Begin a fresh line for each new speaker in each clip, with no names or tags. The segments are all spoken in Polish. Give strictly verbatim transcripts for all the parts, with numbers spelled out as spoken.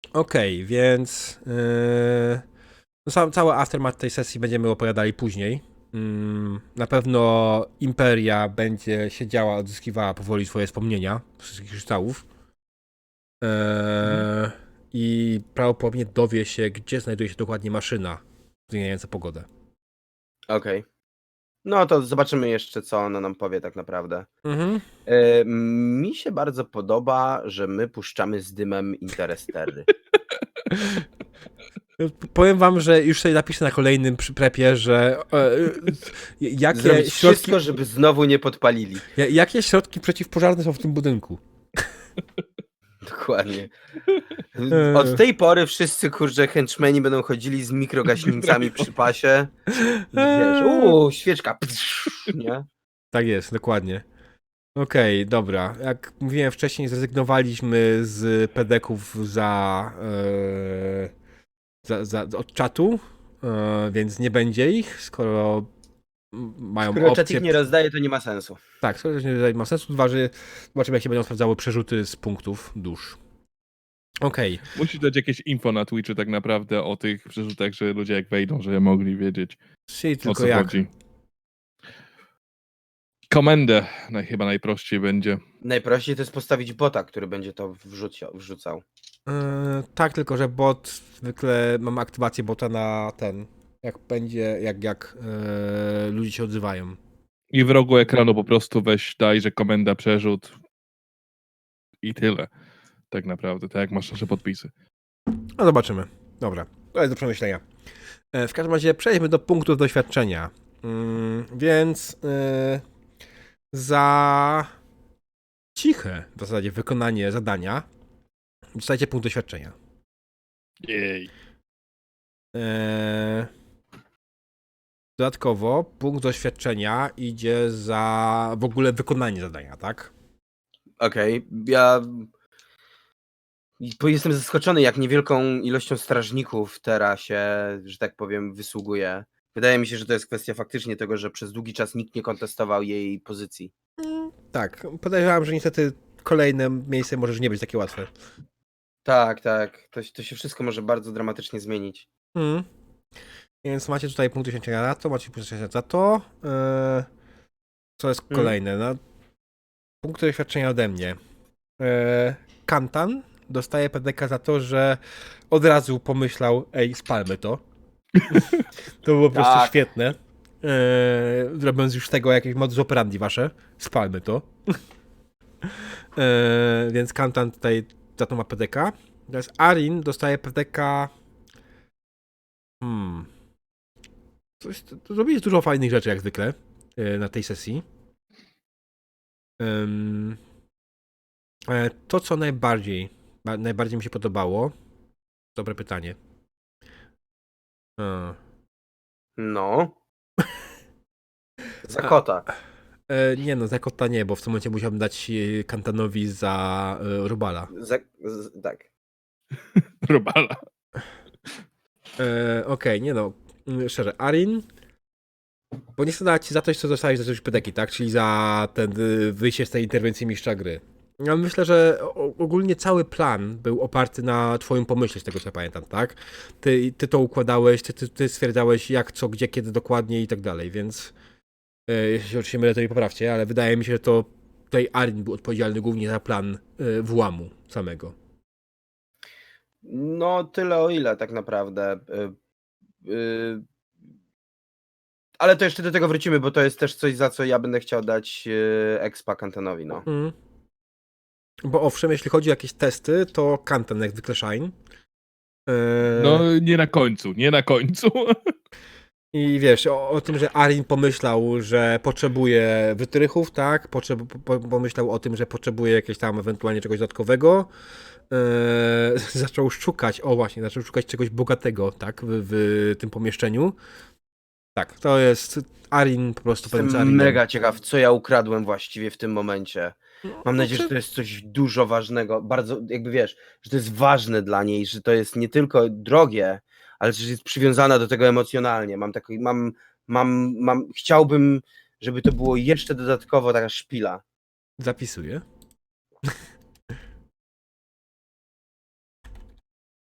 Okej, więc yy, no sam, cały aftermath tej sesji będziemy opowiadali później. Mm, na pewno Imperia będzie siedziała, odzyskiwała powoli swoje wspomnienia z wszystkich kryształów.
Mhm.
Eee, I prawdopodobnie dowie się, gdzie znajduje się dokładnie maszyna zmieniająca pogodę.
Okej. No to zobaczymy jeszcze, co ona nam powie tak naprawdę.
Mhm.
E, mi się bardzo podoba, że my puszczamy z dymem Interestery.
Powiem wam, że już sobie napiszę na kolejnym przy- prepie, że e, jakie
Zrobić
środki,
wszystko, żeby znowu nie podpalili.
ja- jakie środki przeciwpożarne są w tym budynku.
Dokładnie. Od
Eee,
tej pory wszyscy, kurczę, henchmeni będą chodzili z mikrogaśnicami przy pasie. I wiesz,
eee.
uuu, świeczka, psz, nie?
Tak jest, dokładnie. Okej, dobra. Jak mówiłem wcześniej, zrezygnowaliśmy z pedeków za, e, za, za od czatu, e, więc nie będzie ich, skoro m- mają
Skoro czat ich
opcję.
nie rozdaje, to nie ma sensu.
Tak, skoro to nie ma sensu. Dwa, że zobaczymy, jak się będą sprawdzały przerzuty z punktów dusz. Okej,
Musi dać jakieś info na Twitchu tak naprawdę o tych przerzutach, że ludzie jak wejdą, żeby mogli wiedzieć,
czyli
o
tylko
co
jak.
chodzi. Komendę naj, chyba najprościej będzie.
Najprościej to jest postawić bota, który będzie to wrzucia, wrzucał.
E, tak, tylko że bot, zwykle mam aktywację bota na ten, jak będzie, jak, jak e, ludzie się odzywają.
I w rogu ekranu po prostu weź, daj, że komenda przerzut i tyle. Tak naprawdę, tak jak masz nasze podpisy.
No zobaczymy. Dobra, to jest do przemyślenia. E, w każdym razie przejdźmy do punktów doświadczenia. Mm, więc e, za ciche w zasadzie wykonanie zadania dostajecie punkt doświadczenia.
Jej.
E, dodatkowo punkt doświadczenia idzie za w ogóle wykonanie zadania, tak?
Okej, ja bo jestem zaskoczony, jak niewielką ilością strażników teraz się, że tak powiem, wysługuje. Wydaje mi się, że to jest kwestia faktycznie tego, że przez długi czas nikt nie kontestował jej pozycji.
Mm, tak, podejrzewam, że niestety kolejne miejsce może już nie być takie łatwe.
Tak, tak. To, to się wszystko może bardzo dramatycznie zmienić.
Mm. Więc macie tutaj punkt doświadczenia na to, macie punkt doświadczenia za to. E, co jest
Mm.
kolejne? No, punkt doświadczenia ode mnie. E, Kantan dostaje P D K za to, że od razu pomyślał, ej, spalmy to. To było po prostu
Tak.
świetne. E, robiąc już z tego jakieś modus operandi wasze, spalmy to. E, więc Kantan tutaj za to ma P D K. Teraz Arin dostaje P D K. Hmm. Coś, to, to zrobiłeś dużo fajnych rzeczy, jak zwykle, e, na tej sesji. Um, e, to, co najbardziej, ba, najbardziej mi się podobało, dobre pytanie. E,
No. Za kota.
e, nie no, za kota nie, bo w tym momencie musiałbym dać e, Kantanowi za e, Rubala.
Za, z, tak.
Robala.
E, Okej, okay, nie no, mm, szczerze, Arin, bo nie chcę dać ci za coś, co dostałeś za coś pedeki, tak? Czyli za ten y, wyjście z tej interwencji mistrza gry. Ja myślę, że o- ogólnie cały plan był oparty na twoim pomyśle, z tego co ja pamiętam, tak? Ty, ty to układałeś, ty, ty, ty stwierdzałeś jak, co, gdzie, kiedy dokładnie i tak dalej, więc e, jeśli się oczywiście mylę, to mi poprawcie, ale wydaje mi się, że to tutaj Arin był odpowiedzialny głównie za plan e, włamu samego.
No, tyle o ile tak naprawdę. Y, y, ale to jeszcze do tego wrócimy, bo to jest też coś, za co ja będę chciał dać y, expa Kantanowi, no.
Mm. Bo owszem, jeśli chodzi o jakieś testy, to Kantan jak zwykle shine. E,
No nie na końcu, nie na końcu.
I wiesz, o, o tym, że Arin pomyślał, że potrzebuje wytrychów, tak? Potrzeb, po, pomyślał o tym, że potrzebuje jakiegoś tam ewentualnie czegoś dodatkowego. Eee, zaczął szukać, o właśnie, zaczął szukać czegoś bogatego, tak? W, w tym pomieszczeniu. Tak, to jest Arin po prostu pewien
Jestem mega ciekaw, co ja ukradłem właściwie w tym momencie.
No,
Mam nadzieję, że
znaczy-
to jest coś dużo ważnego, bardzo, jakby wiesz, że to jest ważne dla niej, że to jest nie tylko drogie, ale że jest przywiązana do tego emocjonalnie. Mam taki, mam, mam, mam, chciałbym, żeby to było jeszcze dodatkowo taka szpila.
Zapisuję.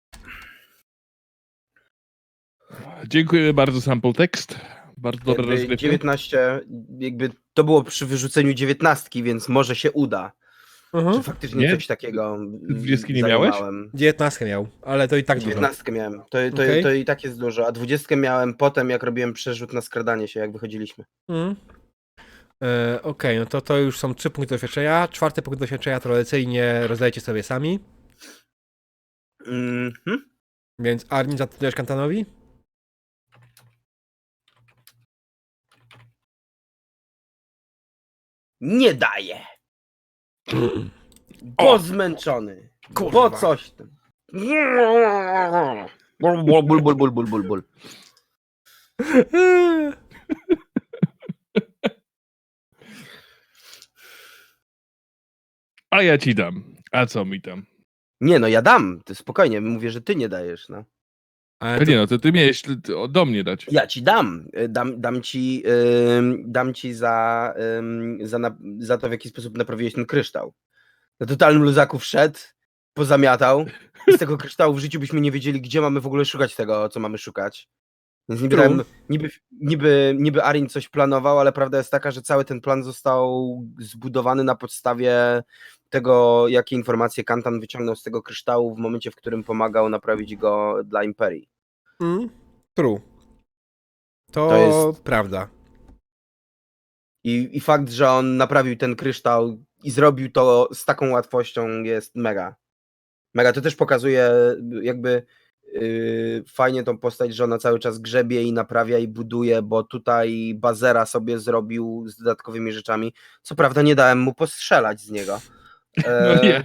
Dziękujemy bardzo, sample text. Bardzo dobra
Jakby
rozgrywka.
dziewiętnaście, jakby to było przy wyrzuceniu dziewiętnastki, więc może się uda.
Mhm.
Czy faktycznie
Nie?
coś takiego
dwudziestki nie miałeś?
zajmowałem.
dziewiętnastkę miał, ale to i tak dużo.
dziewiętnastkę miałem. To, to,
Okej.
to i tak jest dużo. A dwudziestkę miałem potem, jak robiłem przerzut na skradanie się, jak wychodziliśmy.
Mhm. E, Okej, no to to już są trzy punkty doświadczenia. Czwarty punkt doświadczenia tradycyjnie rozdajecie sobie sami.
Mhm.
Więc Armin, zatrudniasz Kantanowi?
Nie daję. Bo
O!
zmęczony.
Kurwa.
Bo coś tam. Ból, ból, ból, ból, ból, ból, ból, ból.
A ja ci dam. A co mi tam?
Nie no, ja dam. Ty spokojnie, mówię, że ty nie dajesz, no.
Ale
A
to,
nie no, to ty miałeś do- do mnie dać.
Ja ci dam. Y, Dam, dam ci, ym, dam ci za, ym, za, na, za to, w jaki sposób naprawiłeś ten kryształ. Na totalnym luzaku wszedł, pozamiatał. I z tego kryształu w życiu byśmy nie wiedzieli, gdzie mamy w ogóle szukać tego, co mamy szukać. Więc niby,
True.
tam, niby, niby, niby Arin coś planował, ale prawda jest taka, że cały ten plan został zbudowany na podstawie tego, jakie informacje Kantan wyciągnął z tego kryształu w momencie, w którym pomagał naprawić go dla Imperii.
Mm, true. To,
To jest-
prawda.
I, I fakt, że on naprawił ten kryształ i zrobił to z taką łatwością jest mega. Mega. To też pokazuje jakby yy, fajnie tą postać, że ona cały czas grzebie i naprawia i buduje, bo tutaj bazera sobie zrobił z dodatkowymi rzeczami. Co prawda nie dałem mu postrzelać z niego.
No
E,
nie.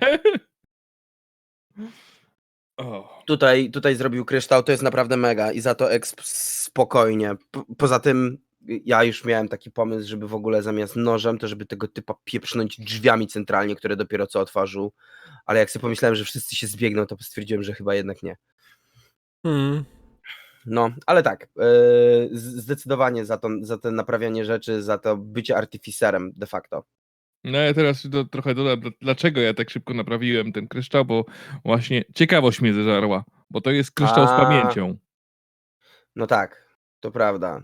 O.
Tutaj, tutaj zrobił kryształ, to jest naprawdę mega i za to exp spokojnie. Po, poza tym ja już miałem taki pomysł, żeby w ogóle zamiast nożem, to żeby tego typa pieprznąć drzwiami centralnie, które dopiero co otworzył, ale jak sobie pomyślałem, że wszyscy się zbiegną, to stwierdziłem, że chyba jednak nie.
Mm.
No, ale tak, yy, zdecydowanie za to, za to naprawianie rzeczy, za to bycie artyficerem de facto.
No ja teraz do, trochę dodam, dl- dlaczego ja tak szybko naprawiłem ten kryształ, bo właśnie ciekawość mnie zeżarła, bo to jest kryształ z
A.
pamięcią.
No tak, to prawda.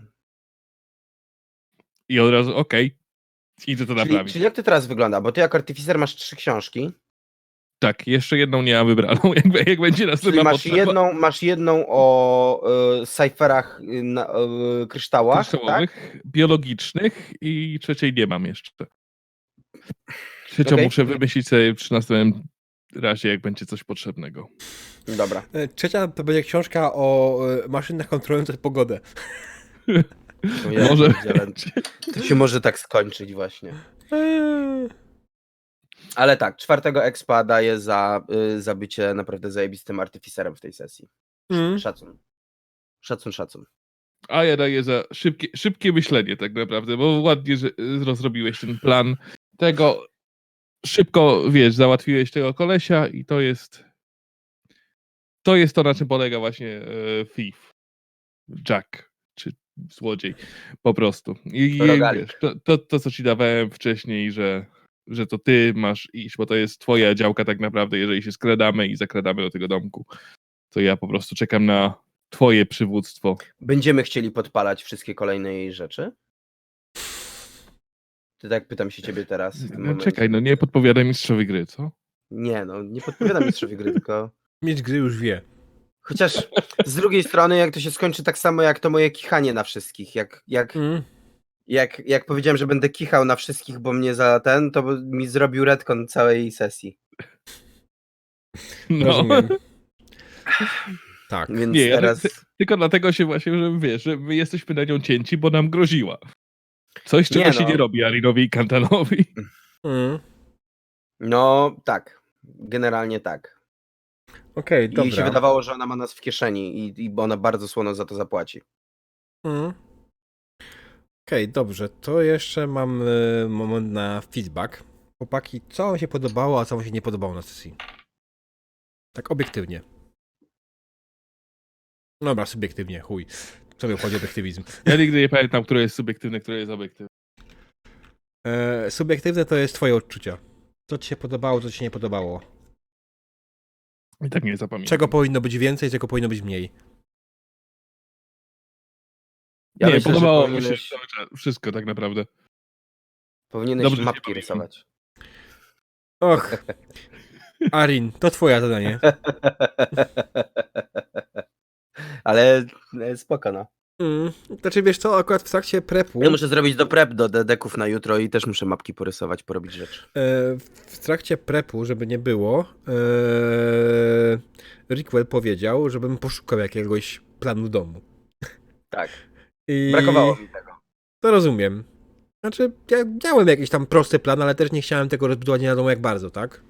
I od razu, okej, idę to
Czyli,
naprawić.
czyli jak to teraz wygląda? Bo ty jako artyficer masz trzy książki.
Tak, jeszcze jedną nie mam wybraną, jak, jak będzie
Czyli
następna
masz
potrzeba
jedną, masz jedną o y, cyferach y, na, y, kryształach, tak?
kryształowych, biologicznych i trzeciej nie mam jeszcze. Trzecią
Okej.
muszę wymyślić sobie przy następnym razie, jak będzie coś potrzebnego.
Dobra.
E, Trzecia to będzie książka o e, maszynach kontrolujących pogodę.
To ja
Może
pierdzielę. To się może tak skończyć właśnie.
Eee.
Ale tak, czwartego expa daję za, y, za bycie naprawdę zajebistym artyficerem w tej sesji.
Mm.
Szacun. Szacun, szacun.
A ja daję za szybkie, szybkie myślenie tak naprawdę, bo ładnie, że rozrobiłeś ten plan tego. Szybko, wiesz, załatwiłeś tego kolesia i to jest to jest to, na czym polega właśnie e, thief, Jack, czy złodziej, po prostu. I, i
Rogalik.
wiesz, to, to, to, co ci dawałem wcześniej, że, że to ty masz iść, bo to jest twoja działka tak naprawdę, jeżeli się skradamy i zakradamy do tego domku, to ja po prostu czekam na twoje przywództwo.
Będziemy chcieli podpalać wszystkie kolejne jej rzeczy? Ty tak pytam się ciebie teraz. W tym
No,
momencie.
czekaj, no nie podpowiadaj mistrzowi gry, co?
Nie, no nie podpowiadam mistrzowi gry, tylko...
Mistrz gry już wie.
Chociaż z drugiej strony, jak to się skończy tak samo jak to moje kichanie na wszystkich. Jak, jak,
Mm.
jak, jak powiedziałem, że będę kichał na wszystkich, bo mnie za ten, to by mi zrobił retcon całej sesji.
No.
Rozumiem. Tak.
Więc
Nie, ja
teraz...
ty- Tylko dlatego się właśnie, że wiesz, że my jesteśmy na nią cięci, bo nam groziła. Coś, czego
Nie
się
no.
nie robi Arinowi i Kantanowi.
Mm.
No tak, generalnie tak.
Okej,
I
dobra.
się wydawało, że ona ma nas w kieszeni i, i ona bardzo słono za to zapłaci.
Mm. Okej, dobrze. To jeszcze mam e, moment na feedback. Chłopaki, co wam się podobało, a co wam się nie podobało na sesji? Tak obiektywnie. Dobra, subiektywnie, chuj. Co mi obchodzi obiektywizm?
Ja nigdy nie pamiętam, które jest subiektywne, które jest obiektywne.
E, subiektywne to jest twoje odczucia. Co ci się podobało, co ci się nie podobało.
I tak nie zapamiętam.
Czego powinno być więcej, czego powinno być mniej.
Ja
nie,
myślę, że
podobało mi się
powinieneś,
cały czas, wszystko tak naprawdę.
powinieneś
Dobrze się
mapki
bawimy.
rysować.
Och, Arin, to twoje zadanie.
Ale e, spoko, no.
Mm, znaczy wiesz co, akurat w trakcie prepu,
Ja muszę zrobić do prep do dedeków na jutro i też muszę mapki porysować, porobić rzeczy.
e, w trakcie prepu, żeby nie było, e, Rickwell powiedział, żebym poszukał jakiegoś planu domu.
Tak.
I
Brakowało mi tego.
to rozumiem. Znaczy, ja miałem jakiś tam prosty plan, ale też nie chciałem tego rozbudować nie wiadomo jak bardzo, tak?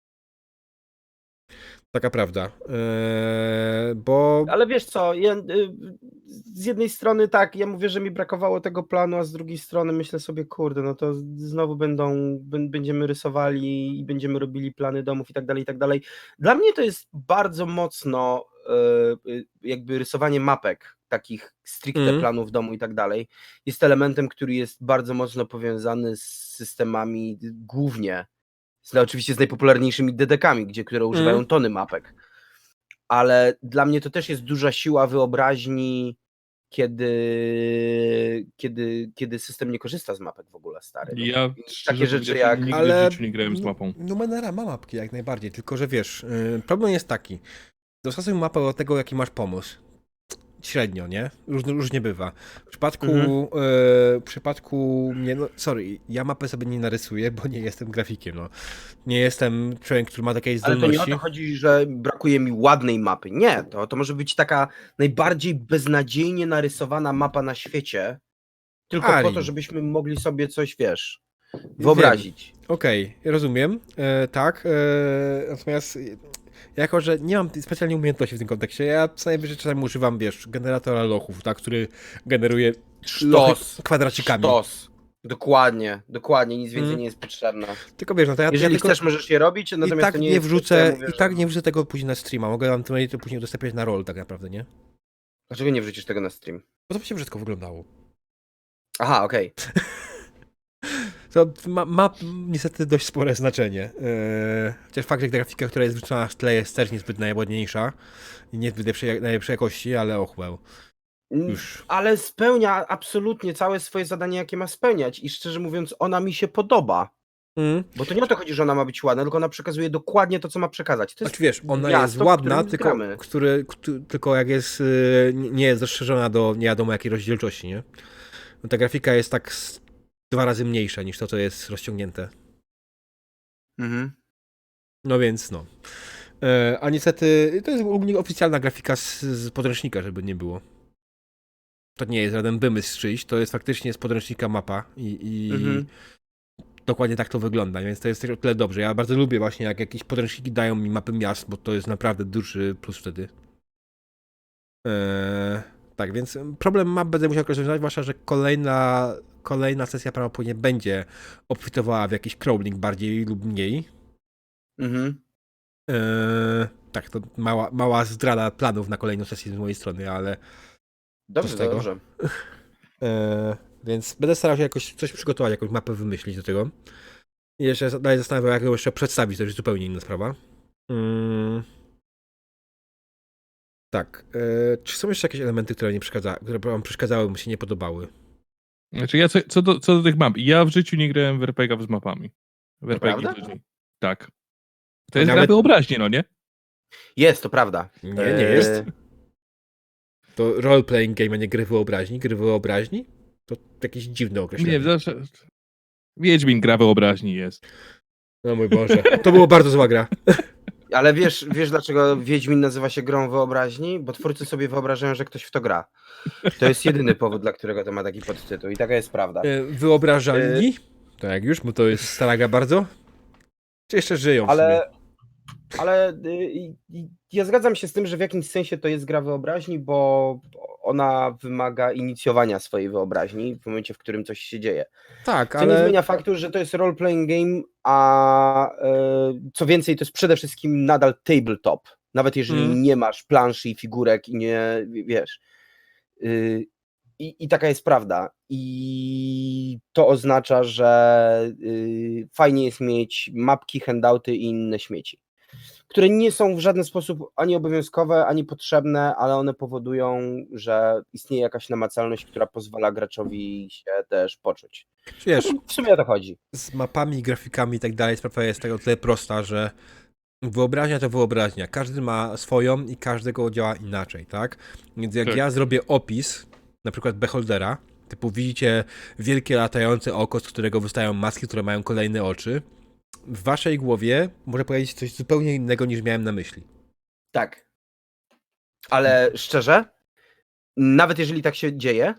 Taka prawda. Eee, bo...
Ale wiesz co, ja, y, z jednej strony tak, ja mówię, że mi brakowało tego planu, a z drugiej strony myślę sobie, kurde, no to znowu będą, b- będziemy rysowali i będziemy robili plany domów i tak dalej, i tak dalej. Dla mnie to jest bardzo mocno y, y, jakby rysowanie mapek, takich stricte
Mhm.
planów domu i tak dalej, jest elementem, który jest bardzo mocno powiązany z systemami głównie, z, oczywiście z najpopularniejszymi dedekami, gdzie, które używają
Mhm.
tony mapek. Ale dla mnie to też jest duża siła wyobraźni, kiedy, kiedy, kiedy system nie korzysta z mapek w ogóle, stary. No,
Ja szczerze
takie rzeczy
powiedziawszy,
jak...
nigdy
Ale
w życiu nie grałem z mapą.
Numenera ma mapki jak najbardziej, tylko że wiesz, yy, problem jest taki. Dostosuj mapę do tego, jaki masz pomysł. Średnio, nie? Róż, różnie bywa. W przypadku,
Mhm.
yy, w przypadku mnie, no sorry, ja mapę sobie nie narysuję, bo nie jestem grafikiem, no. Nie jestem człowiek, który ma takiej
Ale to nie o
zdolności.
to chodzi, że brakuje mi ładnej mapy. Nie, to, to może być taka najbardziej beznadziejnie narysowana mapa na świecie, tylko po
Arin.
to, żebyśmy mogli sobie coś, wiesz, wyobrazić.
Okej, rozumiem, e, tak, e, natomiast e, jako, że nie mam specjalnie umiejętności w tym kontekście, ja co najwyżej czasami używam, wiesz, generatora lochów, tak, który generuje lochy
Sztos.
kwadracikami.
Sztos. Dokładnie, dokładnie, nic więcej
Mm.
nie jest potrzebne.
Tylko wiesz, no to ja,
Jeżeli
ja tylko,
chcesz, możesz je robić,
i
natomiast
tak
to nie,
nie
jest coś, co
wrzucę,
ja mówię,
i
że-
tak nie wrzucę tego później na streama, mogę wam to to później udostępniać na roll tak naprawdę, nie?
Dlaczego nie wrzucisz tego na stream?
Bo to by się wszystko wyglądało.
Aha, okej.
To ma, ma niestety dość spore znaczenie. Eee, chociaż fakt, że grafika, która jest wrzucona w tle jest też niezbyt najładniejsza i niezbyt najlepszej, najlepszej jakości, ale och well.
Mm,
Już.
Ale spełnia absolutnie całe swoje zadanie, jakie ma spełniać i szczerze mówiąc, ona mi się podoba.
Mm.
Bo to nie o to chodzi, że ona ma być ładna, tylko ona przekazuje dokładnie to, co ma przekazać. To jest
Znaczy wiesz, ona
miasto,
jest
w
ładna,
którym
tylko,
gramy.
który, któ- tylko jak jest, y, nie jest rozszerzona do nie wiadomo jakiej rozdzielczości, nie? No ta grafika jest tak z dwa razy mniejsza niż to, co jest rozciągnięte.
Mhm.
No więc no. E, a niestety to jest ogólnie oficjalna grafika z, z podręcznika, żeby nie było. To nie jest żaden wymysł czyjś, to jest faktycznie z podręcznika mapa i, i
Mhm.
dokładnie tak to wygląda, więc to jest też o tyle dobrze. Ja bardzo lubię właśnie, jak jakieś podręczniki dają mi mapy miast, bo to jest naprawdę duży plus wtedy. Eee, tak, więc problem map będę musiał rozwiązać, zwłaszcza, że kolejna, kolejna sesja prawdopodobnie będzie obfitowała w jakiś crawling bardziej lub mniej.
Mhm.
Eee, tak, to mała, mała zdrada planów na kolejną sesję z mojej strony, ale
Dobrze,
z tego?
dobrze.
eee, więc będę starał się jakoś coś przygotować, jakąś mapę wymyślić do tego. I jeszcze dalej zastanawiam, jak ją jeszcze przedstawić, to już zupełnie inna sprawa. Mm. Tak. E, czy są jeszcze jakieś elementy, które, nie przeszkadza, które wam przeszkadzały, mi się nie podobały?
Znaczy ja co, co, do, co do tych map, ja w życiu nie grałem w er pe gie z mapami. W er pe gie
prawda?
wcześniej. Tak. To jest
Nawet-
gra wyobraźni, no nie?
Jest, to prawda.
Nie, nie
Eee,
jest. To role-playing game, a nie gry wyobraźni. Gry wyobraźni? To jakieś dziwne określenie.
Nie, zawsze... Wiedźmin gra wyobraźni jest.
No mój Boże. To było bardzo zła gra.
Ale wiesz, wiesz, dlaczego Wiedźmin nazywa się grą wyobraźni? Bo twórcy sobie wyobrażają, że ktoś w to gra. To jest jedyny powód, dla którego to ma taki podtytuł. I taka jest prawda.
E, Wyobrażalni? Tak już, bo to jest stara gra bardzo. Czy jeszcze żyją w
Ale,
sumie?
ale y, y, ja zgadzam się z tym, że w jakimś sensie to jest gra wyobraźni, bo ona wymaga inicjowania swojej wyobraźni w momencie, w którym coś się dzieje.
Tak,
Co
ale...
nie zmienia faktu, że to jest role-playing game, a y, co więcej, to jest przede wszystkim nadal tabletop. Nawet jeżeli
Mm.
nie masz planszy i figurek i nie, wiesz... Y, I, I taka jest prawda. I to oznacza, że y, fajnie jest mieć mapki, handouty i inne śmieci. które nie są w żaden sposób ani obowiązkowe, ani potrzebne, ale one powodują, że istnieje jakaś namacalność, która pozwala graczowi się też poczuć.
Wiesz,
W sumie o to chodzi.
z mapami, grafikami i tak dalej sprawa jest tego tyle prosta, że wyobraźnia to wyobraźnia. Każdy ma swoją i każdego działa inaczej, tak? Więc jak
Tak.
ja zrobię opis, na przykład Beholdera, typu widzicie wielkie latające oko, z którego wystają maski, które mają kolejne oczy, w waszej głowie może powiedzieć coś zupełnie innego niż miałem na myśli.
Tak. Ale szczerze, nawet jeżeli tak się dzieje,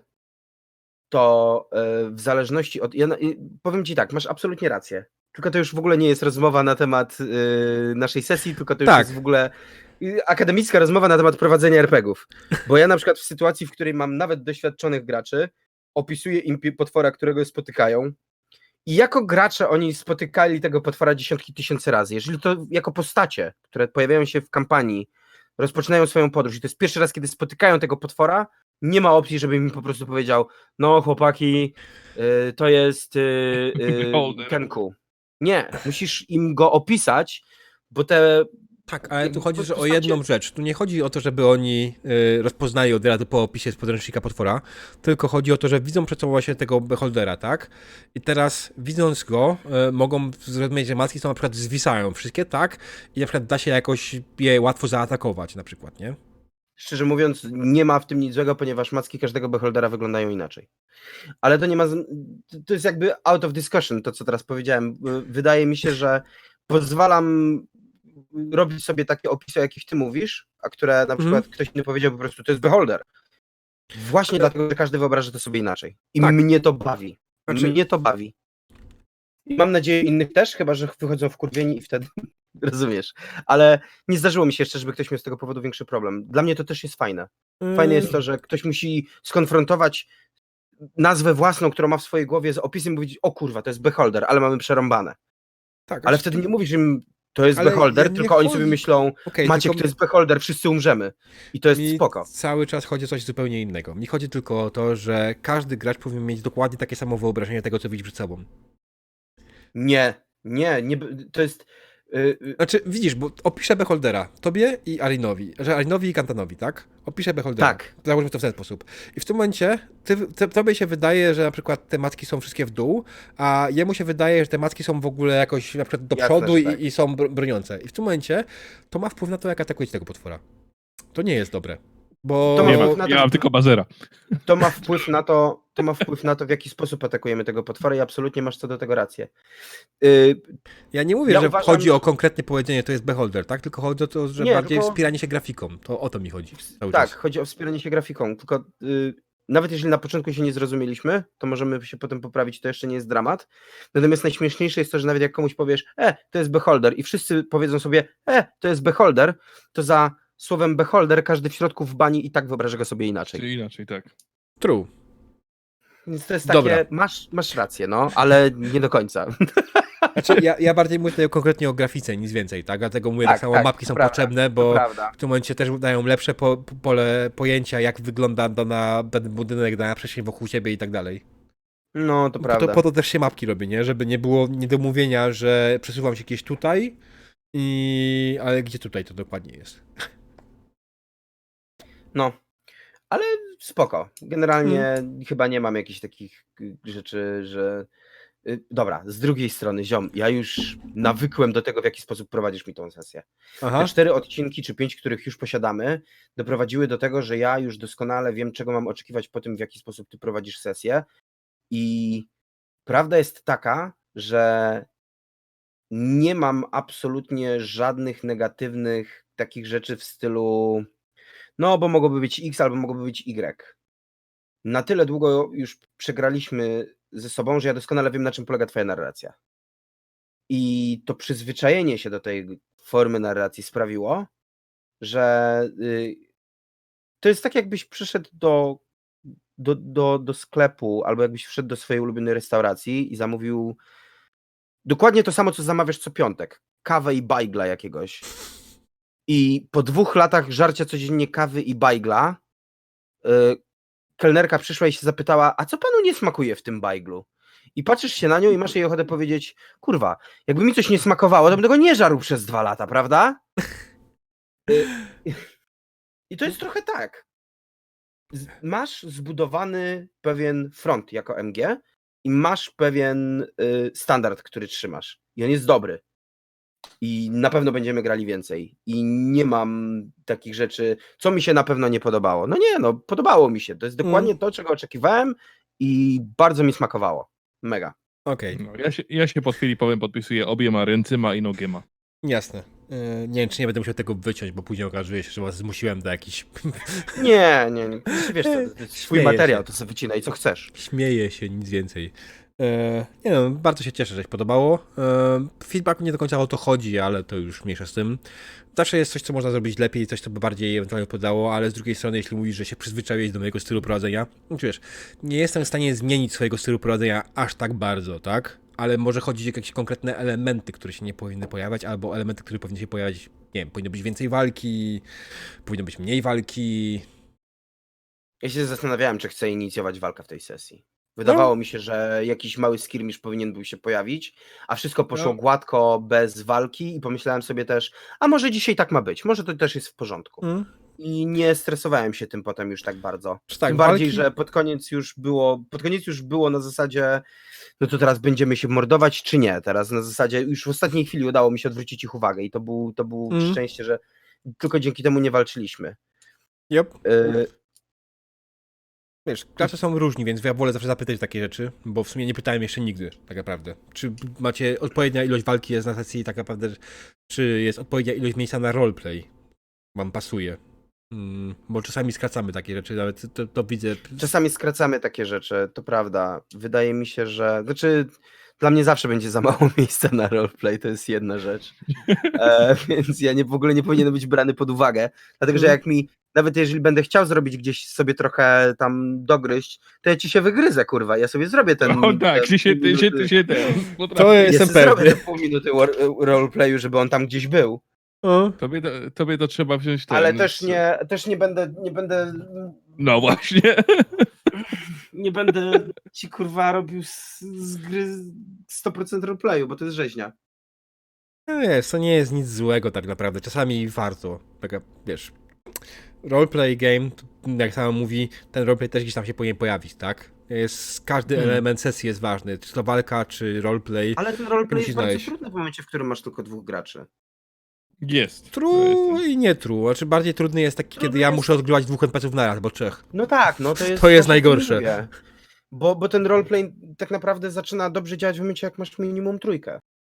to e, w zależności od... Ja na- i powiem ci tak, masz absolutnie rację. Tylko to już w ogóle nie jest rozmowa na temat e, naszej sesji, tylko to już
Tak.
jest w ogóle y, akademicka rozmowa na temat prowadzenia er pe gie ów. Bo ja na przykład w sytuacji, w której mam nawet doświadczonych graczy, opisuję im pi- potwora, którego spotykają, i jako gracze oni spotykali tego potwora dziesiątki tysięcy razy. Jeżeli to jako postacie, które pojawiają się w kampanii, rozpoczynają swoją podróż i to jest pierwszy raz, kiedy spotykają tego potwora, nie ma opcji, żeby mi po prostu powiedział, no chłopaki, y, to jest y, y,
Beholder.
Kenku. Nie, musisz im go opisać, bo te...
Tak, ale tu
jakby
chodzi że o
postacie-
jedną rzecz. Tu nie chodzi o to, żeby oni y, rozpoznali od razu po opisie z podręcznika potwora, tylko chodzi o to, że widzą przed sobą właśnie tego beholdera, tak? I teraz widząc go, y, mogą zrozumieć, że maski są na przykład zwisają wszystkie, tak? I na przykład da się jakoś je łatwo zaatakować na przykład, nie?
Szczerze mówiąc, nie ma w tym nic złego, ponieważ macki każdego beholdera wyglądają inaczej. Ale to nie ma. z- To jest jakby out of discussion, to co teraz powiedziałem. Wydaje mi się, że pozwalam robić sobie takie opisy, o jakich ty mówisz, a które na przykład ktoś inny powiedział po prostu, to jest beholder. Właśnie dlatego, że każdy wyobraża to sobie inaczej. I
Tak.
mnie to bawi.
Znaczy-
Mnie to bawi. I mam nadzieję innych też, chyba że wychodzą wkurwieni i wtedy rozumiesz. Ale nie zdarzyło mi się jeszcze, żeby ktoś miał z tego powodu większy problem. Dla mnie to też jest fajne. Fajne jest to, że ktoś musi skonfrontować nazwę własną, którą ma w swojej głowie z opisem i powiedzieć, o kurwa, to jest beholder, ale mamy przerąbane.
Tak,
Ale
znaczy-
wtedy nie mówisz im, to jest
Ale
beholder,
ja nie
tylko oni
chodzi-
sobie myślą,
Okej,
Maciek,
tylko
to jest beholder, wszyscy umrzemy. I to jest
mi
spoko.
cały czas chodzi o coś zupełnie innego. Mi chodzi tylko o to, że każdy gracz powinien mieć dokładnie takie samo wyobrażenie tego, co widzi przed sobą.
Nie, nie, nie, to jest... y, y,
Znaczy, widzisz, bo opiszę Beholdera tobie i Arinowi, że Arinowi i Kantanowi, tak? Opiszę Beholdera.
Tak.
Załóżmy to w ten sposób. I w tym momencie ty, ty, tobie się wydaje, że na przykład te macki są wszystkie w dół, a jemu się wydaje, że te macki są w ogóle jakoś na przykład do
Jasne,
przodu
że
i,
tak.
i są br- broniące. I w tym momencie to ma wpływ na to, jak atakujecie tego potwora. To nie jest dobre. Bo...
To ma
Nie
wpływ
ma,
na
ja
to-
mam tylko bazera.
To ma wpływ na to, to ma wpływ na to, w jaki sposób atakujemy tego potwora i absolutnie masz co do tego rację. Y,
Ja nie mówię,
Ja
że
uważam,
chodzi
że-
o konkretnie powiedzenie, to jest Beholder, tak? Tylko chodzi o to, że
Nie,
bardziej
tylko-
wspieranie się grafiką. To o to mi chodzi. Cały
tak,
czas.
chodzi o wspieranie się grafiką, tylko y, nawet jeżeli na początku się nie zrozumieliśmy, to możemy się potem poprawić, to jeszcze nie jest dramat. Natomiast najśmieszniejsze jest to, że nawet jak komuś powiesz, e, to jest beholder i wszyscy powiedzą sobie, e, to jest beholder, to za słowem beholder każdy w środku w bani i tak wyobraża go sobie inaczej.
Czyli inaczej, tak.
True.
Więc to jest takie,
Dobra.
masz, masz rację, no, ale nie do końca.
Znaczy, ja, ja bardziej mówię tutaj konkretnie o grafice, nic więcej, tak? Dlatego mówię, tak,
Tak,
samo
tak,
mapki
to
są
prawda,
potrzebne,
To
bo
prawda.
w tym momencie też dają lepsze po, pole pojęcia, jak wygląda dana, dany budynek, dana przestrzeń wokół siebie i tak dalej.
No, to
Po
prawda.
to, po to też się mapki robi, nie? Żeby nie było niedomówienia, że przesuwam się gdzieś tutaj, i... ale gdzie tutaj to dokładnie jest.
No, ale spoko. Generalnie chyba nie mam jakichś takich y, rzeczy, że... y, Dobra, z drugiej strony, ziom, ja już nawykłem do tego, w jaki sposób prowadzisz mi tą sesję.
Aha.
Te cztery odcinki, czy pięć, których już posiadamy, doprowadziły do tego, że ja już doskonale wiem, czego mam oczekiwać po tym, w jaki sposób ty prowadzisz sesję. I prawda jest taka, że nie mam absolutnie żadnych negatywnych takich rzeczy w stylu no, bo mogłoby być X albo mogłoby być Y. Na tyle długo już przegraliśmy ze sobą, że ja doskonale wiem, na czym polega twoja narracja. I to przyzwyczajenie się do tej formy narracji sprawiło, że y, to jest tak, jakbyś przyszedł do, do, do, do sklepu albo jakbyś wszedł do swojej ulubionej restauracji i zamówił dokładnie to samo, co zamawiasz co piątek. Kawę i bajgla jakiegoś. I po dwóch latach żarcia codziennie kawy i bajgla y, kelnerka przyszła i się zapytała, a co panu nie smakuje w tym bajglu? i patrzysz się na nią i masz jej ochotę powiedzieć, kurwa, jakby mi coś nie smakowało, to bym tego nie żarł przez dwa lata, prawda? Y, I to jest trochę tak. Z- Masz zbudowany pewien front jako M G i masz pewien y, standard, który trzymasz. I on jest dobry. I na pewno będziemy grali więcej. I nie mam takich rzeczy, co mi się na pewno nie podobało. No nie, no podobało mi się. To jest dokładnie to, czego oczekiwałem i bardzo mi smakowało. Mega.
Okej,
No, ja, się, ja się pod Filipowem podpisuję obiema ręcyma i nogiema.
jasne. Yy, nie wiem, czy nie będę musiał tego wyciąć, bo później okazuje się, że was zmusiłem do jakichś...
Nie, nie, nie. Wiesz co, to jest swój
Śmieję
materiał,
się.
to sobie wycinaj co chcesz.
Śmieję się, nic więcej. E, nie no, bardzo się cieszę, że się podobało. E, feedbacku nie do końca o to chodzi, ale to już mniejsza z tym. Zawsze jest coś, co można zrobić lepiej, coś, co by bardziej ewentualnie podało, ale z drugiej strony, jeśli mówisz, że się przyzwyczaiłeś do mojego stylu prowadzenia, no wiesz, nie jestem w stanie zmienić swojego stylu prowadzenia aż tak bardzo, tak? Ale może chodzić o jakieś konkretne elementy, które się nie powinny pojawiać, albo elementy, które powinny się pojawiać, nie wiem, powinno być więcej walki, powinno być mniej walki.
Ja się zastanawiałem, czy chcę inicjować walkę w tej sesji. Wydawało mi się, że jakiś mały skirmish powinien był się pojawić, a wszystko poszło
No.
gładko, bez walki i pomyślałem sobie też, a może dzisiaj tak ma być, może to też jest w porządku.
Hmm?
I nie stresowałem się tym potem już tak bardzo.
Czy tak,
Tym bardziej,
walki-
że pod koniec już było, pod koniec już było na zasadzie, no to teraz będziemy się mordować, czy nie? Teraz na zasadzie już w ostatniej chwili udało mi się odwrócić ich uwagę i to był, to był
Mm.
szczęście, że tylko dzięki temu nie walczyliśmy.
Yep.
Y,
Wiesz, gracze są różni, więc ja wolę zawsze zapytać takie rzeczy, bo w sumie nie pytałem jeszcze nigdy, tak naprawdę. Czy macie odpowiednia ilość walki jest na sesji, tak naprawdę, czy jest odpowiednia ilość miejsca na roleplay? Wam pasuje. Mm, bo czasami skracamy takie rzeczy, nawet to, to widzę.
Czasami skracamy takie rzeczy, to prawda. Wydaje mi się, że. Znaczy, dla mnie zawsze będzie za mało miejsca na roleplay, to jest jedna rzecz. E, więc ja nie, w ogóle nie powinienem być brany pod uwagę. Dlatego, że
Mhm.
jak mi, nawet jeżeli będę chciał zrobić gdzieś sobie trochę tam dogryźć, to ja ci się wygryzę, kurwa. Ja sobie zrobię ten.
O tak,
te
ty się,
pół
ty się,
minuty-
ty się ten.
To
potrafisz.
Ja
jestem
sobie zrobię
pewny.
te pół minuty war- roleplayu, żeby on tam gdzieś był.
O,
Tobie, to, tobie to trzeba wziąć ten.
Ale też
z-
nie, też nie będę, nie będę
No właśnie.
nie będę ci kurwa robił z, z gry sto procent roleplayu, bo to jest rzeźnia.
no jest, to nie jest nic złego tak naprawdę, czasami warto. Taka, wiesz, roleplay game, jak sama mówi, ten roleplay też gdzieś tam się powinien pojawić, tak? Jest, każdy
Hmm.
element sesji jest ważny, czy to walka, czy roleplay.
Ale ten roleplay
Musisz
jest bardzo
znaleźć.
trudny w momencie, w którym masz tylko dwóch graczy.
Jest. To
True
jest-
i nie true. Znaczy bardziej trudny jest taki,
Trudny
kiedy ja
jest-
muszę odgrywać dwóch en pe ce ów naraz, bo trzech.
No tak, no to jest
To jest
o czym
najgorsze.
mówię. Bo, bo ten roleplay tak naprawdę zaczyna dobrze działać w momencie, jak masz minimum trójkę.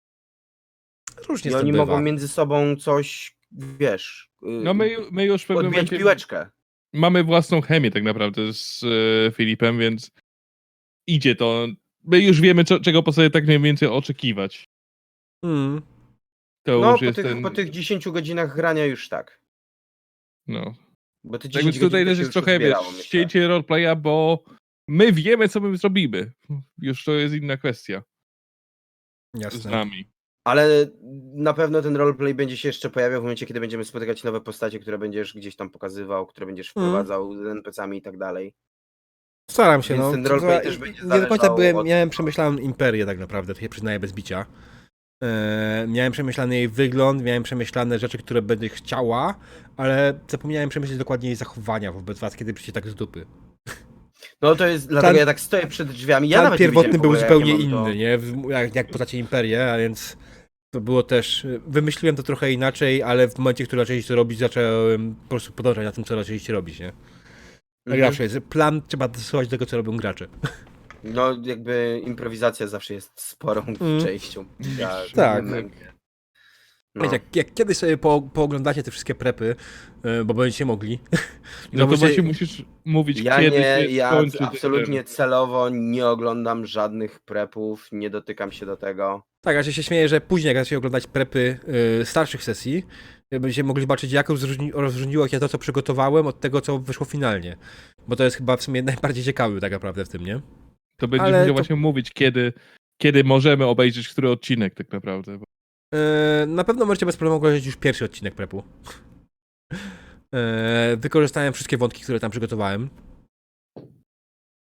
Różnie
I
z tym
oni
bywa.
mogą między sobą coś, wiesz,
No my, my już w pewnym
odbijać
momencie
piłeczkę.
mamy własną chemię tak naprawdę z e, Filipem, więc idzie to. My już wiemy, co, czego po sobie tak mniej więcej oczekiwać.
Mm.
To
No,
już
po
jest
tych,
ten.
po tych dziesięciu godzinach grania już tak.
No.
Bo te
Tak
dziesięć
więc tutaj
godzin
też
się
jest
już
trochę, wiesz,
uzbierało, myślę.
ścięcie roleplaya, bo my wiemy, co my zrobimy. Już to jest inna kwestia z
Jasne.
nami.
Ale na pewno ten roleplay będzie się jeszcze pojawiał w momencie, kiedy będziemy spotykać nowe postacie, które będziesz gdzieś tam pokazywał, które będziesz
Mhm.
wprowadzał z en pe ce ami i tak dalej.
Staram się,
Więc
no.
ten
To-
roleplay
to-
też będzie
nie do końca
zależał
byłem,
od-
miałem przemyślaną imperię tak naprawdę, to się przyznaję bez bicia. E, miałem przemyślany jej wygląd, miałem przemyślane rzeczy, które będę chciała, ale zapomniałem przemyśleć dokładnie jej zachowania wobec was, kiedy przyjdzie tak z dupy.
No to jest, dlatego
Plan-
ja tak stoję przed drzwiami. Ja
Plan
nawet nie
pierwotny
wiedziałem w
był
ogóle,
zupełnie
jakie mam
inny,
to...
nie? W- Jak, jak postacie imperię, a więc to było też... Wymyśliłem to trochę inaczej, ale w momencie, w którym zaczęliście to robić, zacząłem po prostu podążać na tym, co zaczęliście robić, nie? Tak
Mhm.
zawsze jest. Plan trzeba dostosować do tego, co robią gracze.
No jakby improwizacja zawsze jest sporą
Mm.
częścią. Ja,
Tak.
No.
Wiecie, jak, jak kiedyś sobie po, pooglądacie te wszystkie prepy, yy, bo będziecie mogli.
No to
zobaczycie-
właśnie musisz mówić,
Ja
kiedy
nie,
się
ja
skończy ten-
absolutnie celowo nie oglądam żadnych prepów, nie dotykam się do tego.
Tak, a że się śmieję, że później jak zaczniecie oglądać prepy yy, starszych sesji, yy, będziecie mogli zobaczyć, jak rozróżni, rozróżniło się to, co przygotowałem, od tego, co wyszło finalnie. Bo to jest chyba w sumie najbardziej ciekawy tak naprawdę w tym, nie?
To będziesz
Ale
musiał
to-
właśnie mówić, kiedy, kiedy możemy obejrzeć który odcinek tak naprawdę. Bo...
Yy, na pewno możecie bez problemu oglądać już pierwszy odcinek prepu. Yy, wykorzystałem wszystkie wątki, które tam przygotowałem.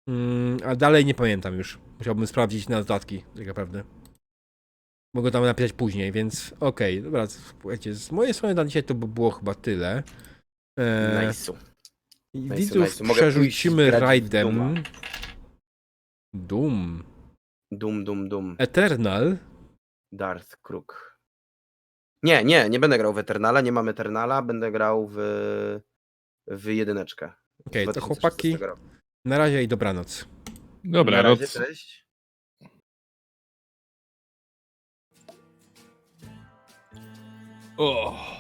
Mm, a dalej nie pamiętam już. Musiałbym sprawdzić na dodatki, tak naprawdę. Mogę tam napisać później, więc okej, dobra, słuchajcie, z mojej strony na dzisiaj to by było chyba tyle. E,
Nice.
i
nice,
widzów
nice. Mogę pójść
przerzucimy
grać w
rajdem.
Dooma.
Doom.
Dum, dum, dum.
Eternal.
Darth Kruk. Nie, nie, nie będę grał w Eternala, nie mam Eternala, będę grał w, w jedyneczkę.
Okej, to
dwa tysiące
chłopaki,
szesnastego roku.
na razie i dobranoc.
Dobra,
Na razie,
noc.
cześć.
O.